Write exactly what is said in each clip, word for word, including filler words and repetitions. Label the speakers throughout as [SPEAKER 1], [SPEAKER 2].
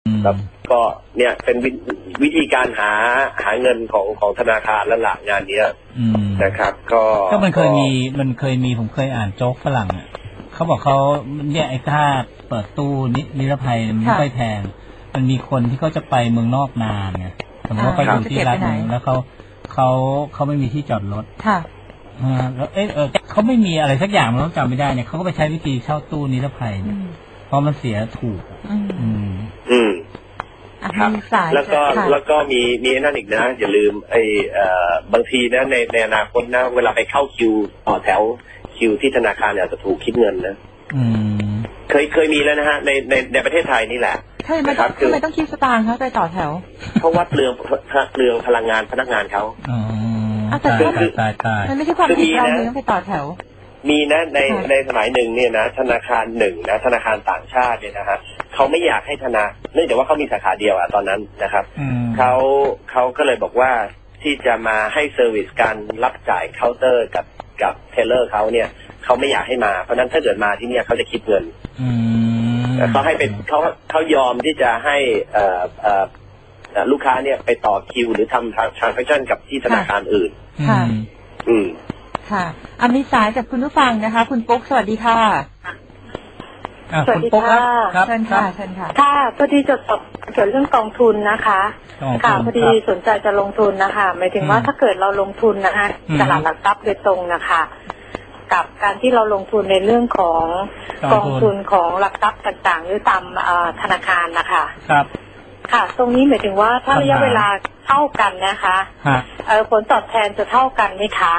[SPEAKER 1] ครับก็เนี่ยเป็นวิธีการหาหาเงินของของธนาคารและหลักงานนี้นะครับก็
[SPEAKER 2] ก็มันเคยมีมันเคยมีผมเคยอ่านโจ๊กฝรั่งอ่ะเขาบอกเขาเนี่ยไอ้ค่าเปิดตู้นิรภัยมันไม่ค่อยแพงมันมีคนที่เขาจะไปเมืองนอกนานไงสมมติว่าไปอยู่ที่รัฐนึงแล้วเขาเขาเขาไม่มีที่จอดรถค่ะแล้วเออเออเขาไม่มีอะไรสักอย่างเราจำไม่ได้เนี่ยเขาก็ไปใช้วิธีเช่าตู้นิรภัยเนี่ยเพราะมันเสียถูกอืม
[SPEAKER 1] อืมครับแล้วก็แล้วก็มีมีนั่นอีกนะอย่าลืมไอ้บางทีนะในในอนาคตนะเวลาไปเข้าคิวต่อแถวคิวที่ธนาคารเนี่ยจะถูกคิดเงินนะเคยเคยมีแล้วนะฮะในในในประเทศไทยนี่แหละ
[SPEAKER 3] ทำไมต้องทำไมต้องคิดสตางค์เขาไปต่อแถว
[SPEAKER 1] เพราะว่าเปลืองเปลืองพลังงานพนักงานเขา
[SPEAKER 2] อ๋อ
[SPEAKER 3] แต่มันไม่ใช่ความผิดเราเลยต้องไปต่อแถว
[SPEAKER 1] มีนะในในสมัยหนึ่งเนี่ยนะธนาคารหนึ่งนะธนาคารต่างชาติเนี่ยนะฮะเขาไม่อยากให้ธนาเนื่องจากว่าเขามีสาขาเดียวอะตอนนั้นนะครับเขาเขาก็เลยบอกว่าที่จะมาให้เซอร์วิสการรับจ่ายเคาน์เตอร์กับกับเทเลอร์เขาเนี่ยเขาไม่อยากให้มาเพราะนั้นถ้าเกิดมาที่เนี่ยเขาจะคิดเงินเขาให้เป็นเขาเขายอมที่จะให้เอ่อเอ่อลูกค้าเนี่ยไปต่อคิวหรือทำทรานแซคชั่นกับที่ธนาคารอื่น
[SPEAKER 3] ค่ะ
[SPEAKER 1] อืม
[SPEAKER 3] ค่ะอันนี้สายจากคุณผู้ฟังนะคะคุณปุ๊กสวัสดีค่ะ
[SPEAKER 2] สวัสดีค่ะ
[SPEAKER 3] เชิญค่ะเชิญค่ะ
[SPEAKER 4] ค่ะพอดีจะตอบเกี่ยวเรื่องกองทุนนะคะค่ะพอดีสนใจจะลงทุนนะคะหมายถึงว่าถ้าเกิดเราลงทุนนะคะตลาดหลักทรัพย์โดยตรงนะคะกับการที่เราลงทุนในเรื่องของกองทุนของหลักทรัพย์ต่างๆหรือตามธนาคารนะคะ
[SPEAKER 2] ครับ
[SPEAKER 4] ค่ะตรงนี้หมายถึงว่าถ้าระยะเวลาเท่ากันนะคะผลตอบแทนจะเท่ากันไหมคะ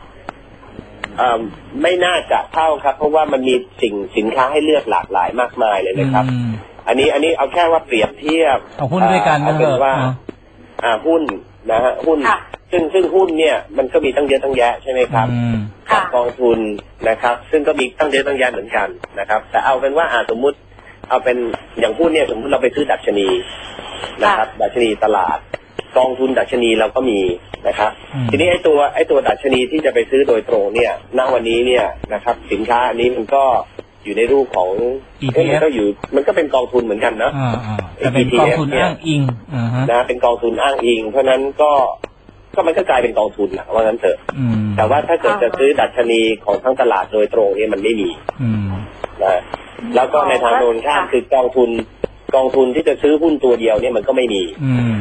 [SPEAKER 1] ไม่น่าจะเท่าครับเพราะว่ามันมีสิ่งสินค้าให้เลือกหลากหลายมากมายเลยนะครับอันนี้อันนี้เอาแค่ว่าเปรียบเทียบ
[SPEAKER 2] เอาหุ้นด้วยกัน
[SPEAKER 1] ก็เป็นว่าอ่าหุ้นนะฮะหุ้นซึ่งซึ่งหุ้นเนี่ยมันก็มีตั้งเยอะตั้งแยะใช่ไหมครับกับกองทุนนะครับซึ่งก็มีตั้งเยอะตั้งแยะเหมือนกันนะครับแต่เอาเป็นว่าอ่าสมมุติเอาเป็นอย่างหุ้นเนี่ยสมมติเราไปซื้อดัชนีนะครับดัชนีตลาดกองทุนดัชนีเราก็มีนะครับทีนี้ไอ้ตัวไอ้ตัวดัชนีที่จะไปซื้อโดยตรงเนี่ยณวันนี้เนี่ยนะครับสินค้าอันนี้มันก็อยู่ในรูปของมันก็อยู่มันก็เป็นกองทุนเหมือนกันนะ
[SPEAKER 2] แต่เป็นกองทุนอ้างอิง
[SPEAKER 1] นะเป็นกองทุนอ้างอิงเพราะนั้นก็ก็มันก็กลายเป็นกองทุนแหละว่างั้นเถอะแต่ว่าถ้าเกิดจะซื้อดัชนีของทั้งตลาดโดยตรงเนี่ยมันไม่มีนะแล้วก็ในทางโน้นข้ามคือกองทุนกองทุนที่จะซื้อหุ้นตัวเดียวเนี่ยมันก็ไม่มี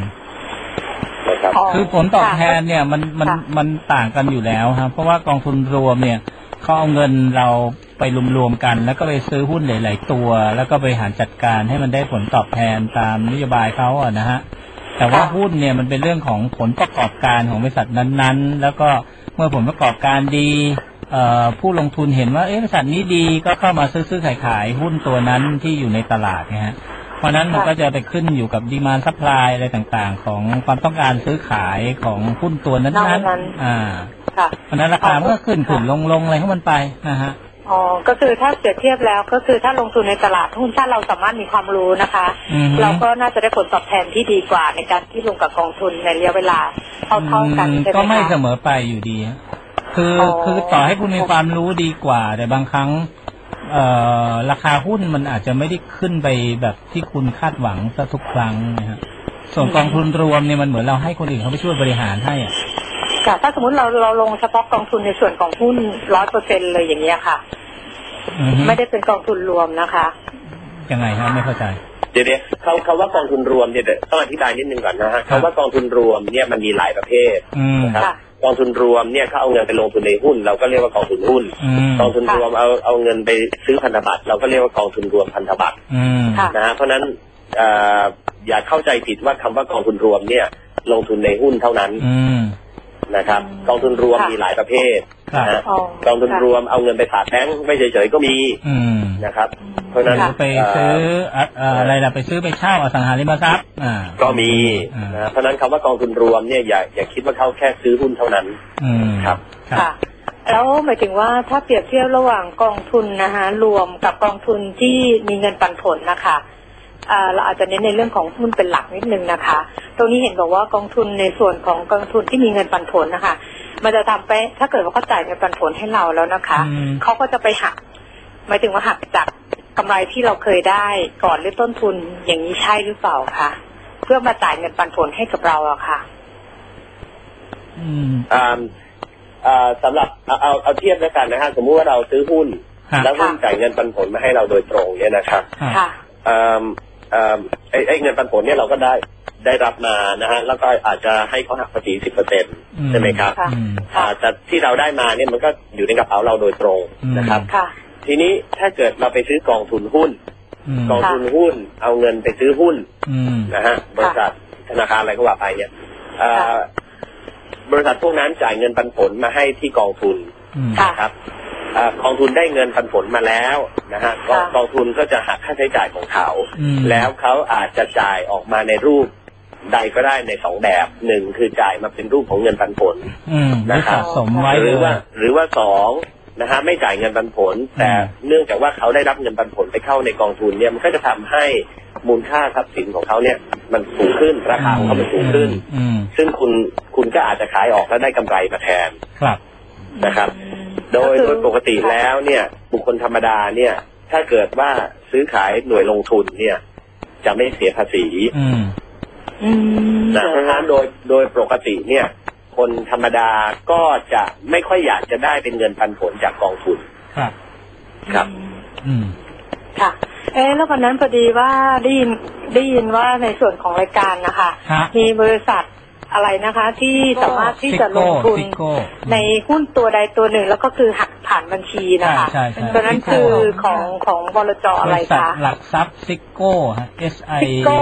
[SPEAKER 2] คือผลตอบแทนเนี่ยมันมันมันต่างกันอยู่แล้วครับเพราะว่ากองทุนรวมเนี่ยเขาเอาเงินเราไปรวมๆกันแล้วก็ไปซื้อหุ้นหลายๆตัวแล้วก็บริหารจัดการให้มันได้ผลตอบแทนตามนโยบายเขาอ่ะนะฮะแต่ว่าหุ้นเนี่ยมันเป็นเรื่องของผลประกอบการของบริษัทนั้นๆแล้วก็เมื่อผลประกอบการดีผู้ลงทุนเห็นว่าเอ๊ะบริษัทนี้ดีก็เข้ามาซื้อๆขายๆหุ้นตัวนั้นที่อยู่ในตลาดนะฮะเพราะนั้นมันก็จะไปขึ้นอยู่กับดีมานด์ซัพพลายอะไรต่างๆของความต้องการซื้อขายของหุ้นตัวนั้นๆอ่าเพราะนั้นราคามันก็ขึ้นขึ้นลงลงอะไรของมันไปนะฮะ
[SPEAKER 4] อ๋อก็คือถ้าเปรียบเทียบแล้วก็คือถ้าลงทุนในตลาดหุ้นถ้าเราสามารถมีความรู้นะคะเราก็น่าจะได้ผลตอบแทนที่ดีกว่าในการที่ลงกับกองทุนในระยะเวลาเท่าๆกันใช่ไหมคะ
[SPEAKER 2] ก็ไม่เสมอไปอยู่ดีคือคือต่อให้คุณมีความรู้ดีกว่าแต่บางครั้งเอ่อราคาหุ้นมันอาจจะไม่ได้ขึ้นไปแบบที่คุณคาดหวังซะทุกครั้งนะฮะส่วนกองทุนรวมเนี่ยมันเหมือนเราให้คนอื่นเขาไปช่วยบริหารให้อ่ะ
[SPEAKER 4] ค่ะถ้าสมมติเราเราลงเฉพาะกองทุนในส่วนของหุ้นร้อยเปอร์เซ็นต์เลยอย่างเงี้ยค่ะไม่ได้เป็นกองทุนรวมนะคะ
[SPEAKER 2] ยังไงฮะไม่เข้าใจ
[SPEAKER 1] เดี๋ยวเดี๋ยวเขาเขาว่ากองทุนรวมเนี่ยต้องอธิบายนิดนึงก่อนนะฮะเขาว่ากองทุนรวมเนี่ยมันมีหลายประเภทนะครับกองทุนรวมเนี่ยเขาเอาเงินไปลงทุนในหุ้นเราก็เรียกว่ากองทุนหุ้นกองทุนรวมเอาเอาเงินไปซื้อพันธบัตรเราก็เรียกว่ากองทุนรวมพันธบัตรนะฮะเพราะนั้นอย่าเข้าใจผิดว่าคำว่ากองทุนรวมเนี่ยลงทุนในหุ้นเท่านั้นนะครับกองทุนรวมมีหลายประเภทนะกองทุนรวมเอาเงินไปฝากแบงก์ไม่เฉยๆก็มีนะครับเพราะนั้น
[SPEAKER 2] ไปซื้ออะไรล่ะไปซื้อไปเช่าอสังหาริมทรัพย์
[SPEAKER 1] ก็มีนะเพราะนั้นคำว่ากองทุนรวมเนี่ยอย่าอย่าคิดว่าเขาแค่ซื้อหุ้นเท่านั้นครับ
[SPEAKER 4] ค่ะแล้วหมายถึงว่าถ้าเปรียบเทียบระหว่างกองทุนนะคะรวมกับกองทุนที่มีเงินปันผลนะคะเราอาจจะเน้นในเรื่องของหุ้นเป็นหลักนิดนึงนะคะตรงนี้เห็นบอกว่ากองทุนในส่วนของกองทุนที่มีเงินปันผลนะคะมันจะทำไปถ้าเกิดว่าเขาจ่ายเงินปันผลให้เราแล้วนะคะเขาก็จะไปหักหมายถึงว่าหักจากกำไรที่เราเคยได้ก่อนหรือต้นทุนอย่างนี้ใช่หรือเปล่าคะเพื่อมาจ่ายเงินปันผลให้กับเราอะค่ะ
[SPEAKER 2] อืม
[SPEAKER 1] อ่าอ่าสำหรับเอาเอาเอาเทียบแล้วกันนะฮะสมมุติว่าเราซื้อหุ้นแล้วหุ้นจ่ายเงินปันผลมาให้เราโดยตรงเนี่ยนะครับ
[SPEAKER 4] ค่ะ
[SPEAKER 1] อ่าอ่าไอ้ไอ้เงินปันผลเนี่ยเราก็ได้ได้รับมานะฮะแล้วก็อาจจะให้เขาหักภาษีสิบเปอร์เซ็นต์ใช่ไหมครับอ่าแต่ที่เราได้มาเนี่ยมันก็อยู่ในกระเป๋าเราโดยตรงนะครับทีนี้ถ้าเกิดเราไปซื้อกองทุนหุ้นกองทุนหุ้นเอาเงินไปซื้อหุ้นนะฮะบริษัทธนาคารอะไรก็ว่าไปเนี่ยบริษัทพวกนั้นจ่ายเงินปันผลมาให้ที่กองทุนนะครับกองทุนได้เงินปันผลมาแล้วนะฮะกองทุนก็จะหักค่าใช้จ่ายของเขาแล้วเขาอาจจะจ่ายออกมาในรูปใดก็ได้ในสองแบบหนึ่งคือจ่ายมาเป็นรูปของเงินปันผลนะครับหรือว่าหรือว่าสองนะฮะไม่จ่ายเงินปันผลแต่เนื่องจากว่าเขาได้รับเงินปันผลไปเข้าในกองทุนเนี่ยมันก็จะทำให้มูลค่าทรัพย์สินของเขาเนี่ยมันสูงขึ้นราคาของเขามันสูงขึ้นซึ่งคุณคุณก็อาจจะขายออกแล้วได้กำไรมาแทนนะครับโดยโดยปกติแล้วเนี่ยบุคคลธรรมดาเนี่ยถ้าเกิดว่าซื้อขายหน่วยลงทุนเนี่ยจะไม่เสียภาษีนะเพราะฉะนั้นโดยโดยปกติเนี่ยคนธรรมดาก็จะไม่ค่อยอยากจะได้เป็นเงินปันผลจากกองทุน
[SPEAKER 2] ครับ
[SPEAKER 1] ครับ
[SPEAKER 2] อืม
[SPEAKER 4] ค่ะเอ๊ะแล้ววันนั้นพอดีว่าได้ยินได้ยินว่าในส่วนของรายการนะคะมีบริษัทอะไรนะคะที่สามารถที่จะลงทุนในหุ้นตัวใดตัวหนึ่งแล้วก็คือหักผ่านบัญชีนะคะตัวนั้นคือของของบลจอะไรคะ
[SPEAKER 2] หลักทรัพย์ซิโก้ฮะ S I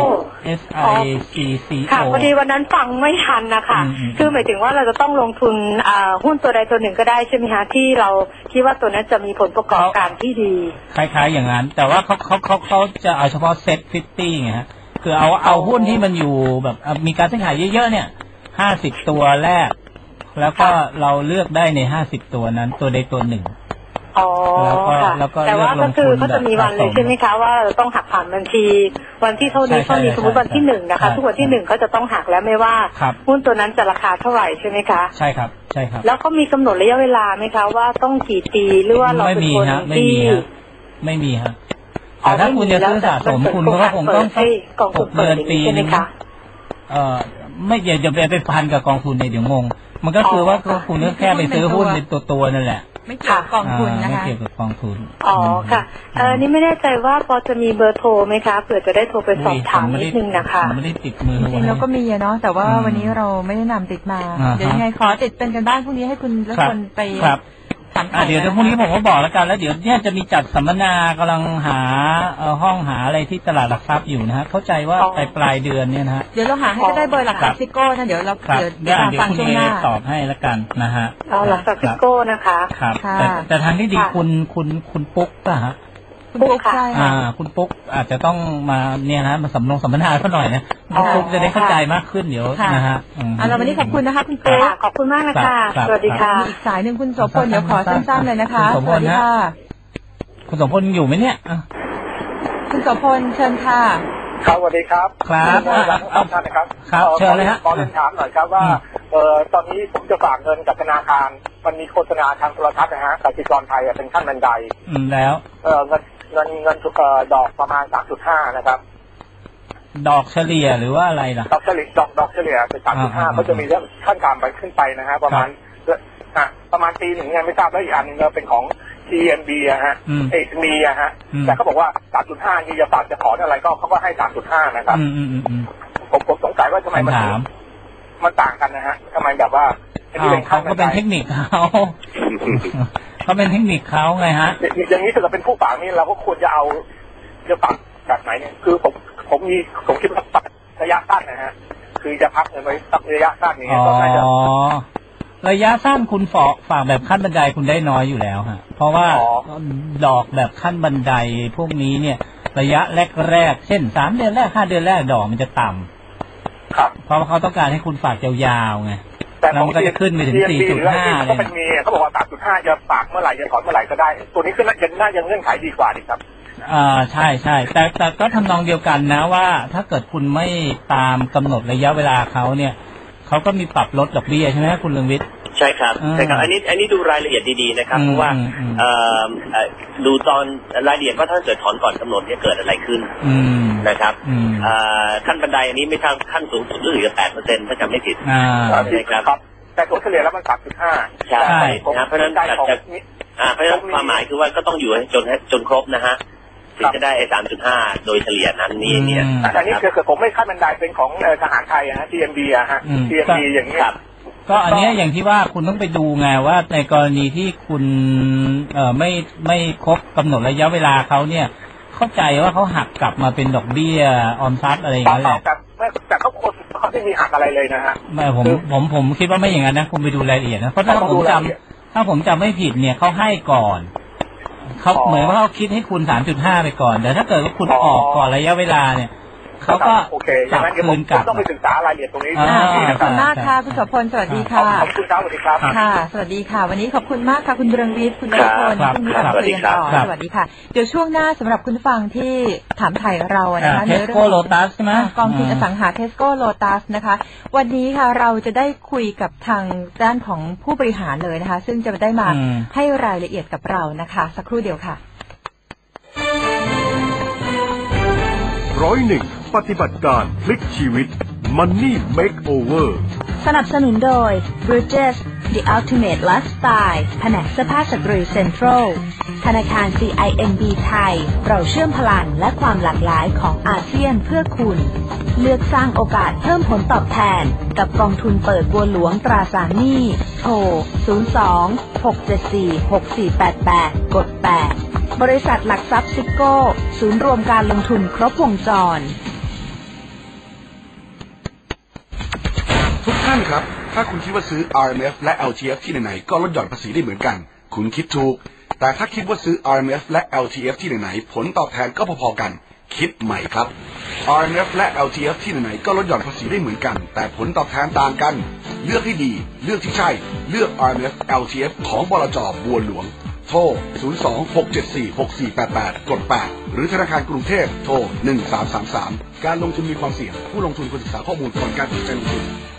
[SPEAKER 2] S I C C O
[SPEAKER 4] ค่ะพอดีวันนั้นฟังไม่ทันนะคะคือหมายถึงว่าเราจะต้องลงทุนหุ้นตัวใดตัวหนึ่งก็ได้ใช่ไหมคะที่เราคิดว่าตัวนั้นจะมีผลประกอบการที่ดี
[SPEAKER 2] คล้ายๆอย่างนั้นแต่ว่าเขาเขาเขาเขาจะเอาเฉพาะเซ็ตฟิฟตี้ไงฮะคือเอาเอาหุ้นที่มันอยู่แบบมีการซื้อขายเยอะๆเนี่ยห้าสิบตัวแรกแล้วก็เราเลือกได้ในห้าสิบตัวนั้นตัวใดตัวหนึ่ง
[SPEAKER 4] อ๋อค่ะแต่ว่าก็คือเขาจะมีวันเลยใช่ไหมคะว่าต้องหักผ่านบัญชีวันที่เท่านี้เท่านี้สมมติวันที่หนึ่งนะคะทุกวันที่หนึ่งเขาจะต้องหักแล้วไม่ว่าหุ้นตัวนั้นจะราคาเท่าไหร่ใช่ไหมคะ
[SPEAKER 2] ใช่ครับใช่ครับ
[SPEAKER 4] แล้วเขามีกำหนดระยะเวลาไหมคะว่าต้องกี่ปีหรือว่าเราเป็นคนที่
[SPEAKER 2] ไม่มีฮะแต่ถ้าคุณจะซื้อสะสมคุณก็คงต้องหกเดือนปีนึงเอ่อไม่อย่าอย่าไปพันกับกองทุนเนี่ยเดี๋ยวงงมันก็คือว่าคุณก็แค่ไปซื้อหุ้นเป็นตัวตัวนั่นแหละ
[SPEAKER 3] ไม่เกี่ยวกับกองทุนนะคะ
[SPEAKER 2] ไม่เกี่ยวกับกองทุน
[SPEAKER 4] อ๋อค่ะเออนี่ไม่แน่ใจว่าพอจะมีเบอร์โทรไหมคะเผื่อจะได้โทรไปสอบถามนิดนึงนะคะ
[SPEAKER 2] ไม่ได้ติดมือ
[SPEAKER 3] จริงๆเราก็มีเนาะแต่ว่าวันนี้เราไม่ได้นำติดมาเดี๋ยวยังไงขอติดเป็นกันบ้านพรุ่งนี้ให้คุณและคนไป
[SPEAKER 2] อ่าเดี๋ยวพรุ่งนี้ผมก็บอกแล้วกันแล้วเดี๋ยวเนี่ยจะมีจัดสัมมนากำลังหาเอ่อห้องหาอะไรที่ตลาดหลักทรัพย์อยู่นะฮะเข้าใจว่าปลายปลายเดือนเนี่ยนะฮะ
[SPEAKER 3] เดี๋ยวเราหาให้ก็ได้เบอร์หลักทรัพย์ซิโก้นะเดี๋ยวเรา
[SPEAKER 2] เดี๋ยวเดี๋ยวฟังช่วงหน้าตอบให้แล้วกันนะฮะ
[SPEAKER 4] อ๋อหลักทรัพย์ซิโก้นะคะ
[SPEAKER 2] ครับแต่แต่ทางที่ดีคุณคุณคุณปุ๊กป่ะฮะ
[SPEAKER 3] คุณปุ๊กใช่
[SPEAKER 2] อ่าคุณปุ๊กอาจจะต้องมาเนี่ยนะมาสำรองสัมมนาเขาหน่อยนะคุณปุ๊กจะได้เข้าใจมากขึ้นเดี๋ยวนะฮะ
[SPEAKER 3] อ่าเราวันนี้ขอบคุณนะคะคุณปุ๊ก
[SPEAKER 4] ขอบคุณมากนะคะสวัสดีค่ะ
[SPEAKER 3] อีกสายหนึ่งคุณโสพลเดี๋ยวขอสั้นๆเลยนะคะ
[SPEAKER 2] สวัสดีค่ะคุณโสพลอยู่ไหมเนี่ย
[SPEAKER 3] คุณโสพลเชิญค่ะ
[SPEAKER 5] ครับสวัสดีครับ
[SPEAKER 2] ครับ
[SPEAKER 5] เอาท่านนะครับ
[SPEAKER 2] ครับเชิญเลยฮะ
[SPEAKER 5] ขอเรียนถามหน่อยครับว่าเอ่อตอนนี้ผมจะฝากเงินกับธนาคารมันมีโฆษณาทางโทรทัศน์นะฮะกสิกรไทยเป็นขั้นบันได
[SPEAKER 2] อืมแล้ว
[SPEAKER 5] เอ่อเงินเงินเงินเอ่อดอกประมาณ สามจุดห้า นะครับ
[SPEAKER 2] ดอกเฉลี่ยหรือว่าอะไรล่ะ
[SPEAKER 5] ดอกเฉลี่ยดอกดอกเฉลี่ยเป็น สามจุดห้า ก็จะมีเรื่องขั้นต่ำไปขึ้นไปนะฮะประมาณอ่ะประมาณปีหนึ่งยังไม่ทราบแล้วอีกอันนึงเป็นของ ที เอ็ม บี อะฮะเอ มีอะฮะแต่เขาบอกว่า สามจุดห้า นี่จะฝากจะถอนอะไรก็เขาก็ให้ สามจุดห้า นะครับผมผมสงสัยว่าทำไมมันมันต่างกันนะฮะทำไมแบบว่า
[SPEAKER 2] เขาก็เป็นเทคนิคเขาเขาเป็นเทคนิคเขาไงฮะ
[SPEAKER 5] อย่างนี้ถ้าเกิดเป็นผู้ฝากนี่เราก็ควรจะเอาจะฝากแบบไหนเนี่ยคือผมผมมีผมคิดว่าระยะสั้นนะฮะคือจะพักเงินไว้สักระยะสั้นนี้ก็น่าจะ
[SPEAKER 2] ระยะสั้นคุณฝากฝากแบบขั้นบันไดคุณได้น้อยอยู่แล้วฮะเพราะว่าดอกแบบขั้นบันไดพวกนี้เนี่ยระยะแรกๆเช่นสามเดือนแรกห้าเดือนแรกดอกมันจะต่ำ
[SPEAKER 5] ครับ
[SPEAKER 2] เพราะว่าเขาต้องการให้คุณฝากยาวๆไง
[SPEAKER 5] แล้ว
[SPEAKER 2] มันก็จะขึ้นไปถึง สี่จุดห้า เลย
[SPEAKER 5] ก็เป็นมีเขาบอกว่า สามจุดห้า จะฝากเมื่อไหร่จะถอนเมื่อไหร่ก็ได้ตัวนี้คือยังน่ายังเงื่อนไขดีกว่าดีครับ
[SPEAKER 2] อ่าใช่ใช่แต่แต่ก็ทำนองเดียวกันนะว่าถ้าเกิดคุณไม่ตามกำหนดระยะเวลาเขาเนี่ยเขาก็มีปรับลดดอกเบี้ยใช่ไหมคุณเรืองวิทย์
[SPEAKER 1] ใช่ครับใช่ครับอันนี้อันนี้ดูรายละเอียดดีๆนะครับเพราะว่าดูตอนรายละเอียดว่าถ้าเกิดถอนก่อนกำหนดเนี่ยเกิดอะไรขึ้นนะครับขั้นบันไดอันนี้ไม่ทางขั้นสูงสุดรู้สึกจะแปดเปอร์เซ็นต์ถ้าจำไม่ผิดใช่ครับ
[SPEAKER 5] แต่ตัวเฉลี่ยแล้วมันสามจุดห้า
[SPEAKER 1] ใช่นะเพราะฉะนั้นจากเพราะฉะนั้นความหมายคือว่าก็ต้องอยู่ให้จนจนครบนะฮะถึงจะได้ไอ้สามจุดห้าโดยเฉลี่ยนั้นนี่เนี่ย
[SPEAKER 5] แต่นี่คือผมไม่ขั้นบันไดเป็นของทหารไทยนะ ที เอ็ม บี อะฮะ ที เอ็ม บี อย่างนี้
[SPEAKER 2] ก็อันนี้อย่างที่ว่าคุณต้องไปดูไงว่าในกรณีที่คุณเอ่อไม่ไม่ครบกำหนดระยะเวลาเขาเนี่ยเข้าใจว่าเขาหักกลับมาเป็นดอกเบี้ยออมทรัพย์อะไรอย่างเงี้ยแหละ
[SPEAKER 5] แต่เขาคนเขาไม่มีหักอะไรเลยนะฮะ
[SPEAKER 2] ไม่ผมผมผมคิดว่าไม่อย่างนั้นนะคุณไปดูรายละเอียดนะเพราะถ้าผมจำถ้าผมจำไม่ผิดเนี่ยเขาให้ก่อนเขาเหมือนว่าเขาคิดให้คุณ สามจุดห้า ไปก่อนแต่ถ้าเกิดว่าคุณออกก่อนระยะเวลาเนี่ยเขาก็
[SPEAKER 5] กลับคืนกลับต้องไปศึกษารายละเอียดตรงนี้
[SPEAKER 3] ขอบคุณมากค่ะคุณโสพลสวัสดีค่ะ
[SPEAKER 5] ขอบคุณครับสวัสดีครับ
[SPEAKER 3] ค่ะสวัสดีค่ะวันนี้ขอบคุณมากค่ะคุณเรืองวิทย์คุณนฤพลคุณนิรันดร์เรียนต่อสวัสดีค่ะเดี๋ยวช่วงหน้าสำหรับคุณฟังที่ถามไถ่เรานะคะ
[SPEAKER 2] ในเรื่องของ
[SPEAKER 3] กองทุนอสังหาเทสโก้โลตัสนะคะวันนี้ค่ะเราจะได้คุยกับทางด้านของผู้บริหารเลยนะคะซึ่งจะได้มาให้รายละเอียดกับเรานะคะสักครู่เดียวค่ะ
[SPEAKER 6] ร้อยหนึ่งปฏิบัติการพลิกชีวิต Money Makeover
[SPEAKER 7] สนับสนุนโดย Bridges The Ultimate Lifestyle แผนกเสื้อผ้าสตรีเซ็นทรัลธนาคาร ซี ไอ เอ็น บี ไทยเราเชื่อมพลังและความหลากหลายของอาเซียนเพื่อคุณเลือกสร้างโอกาสเพิ่มผลตอบแทนกับกองทุนเปิดบัวหลวงตราสารหนี้โทรศูนย์ สอง หก เจ็ด สี่ หก สี่ แปด แปดกดแปดบริษัทหลักทรัพย์ซิโก้ศูนย์รวมการลงทุนครบวงจร
[SPEAKER 8] ทุกท่านครับถ้าคุณคิดว่าซื้อ อาร์ เอ็ม เอฟ และ แอล ที เอฟ ที่ไหนๆก็ลดหย่อนภาษีได้เหมือนกันคุณคิดถูกแต่ถ้าคิดว่าซื้อ อาร์ เอ็ม เอฟ และ แอล ที เอฟ ที่ไหนๆผลตอบแทนก็พอๆกันคิดใหม่ครับ อาร์ เอ็ม เอฟ และ แอล ที เอฟ ที่ไหนๆก็ลดหย่อนภาษีได้เหมือนกันแต่ผลตอบแทนต่างกันเลือกให้ดีเลือกที่ใช่เลือก อาร์ เอ็ม เอฟ แอล ที เอฟ ของบลจ.บัวหลวงโทรศูนย์ สอง หก เจ็ด สี่ หก สี่ แปด แปดกดแปดหรือธนาคารกรุงเทพโทรหนึ่ง สาม สาม สามการลงทุนมีความเสี่ยงผู้ลงทุนควรศึกษาข้อมูลก่อนการตัดสินใจลงทุน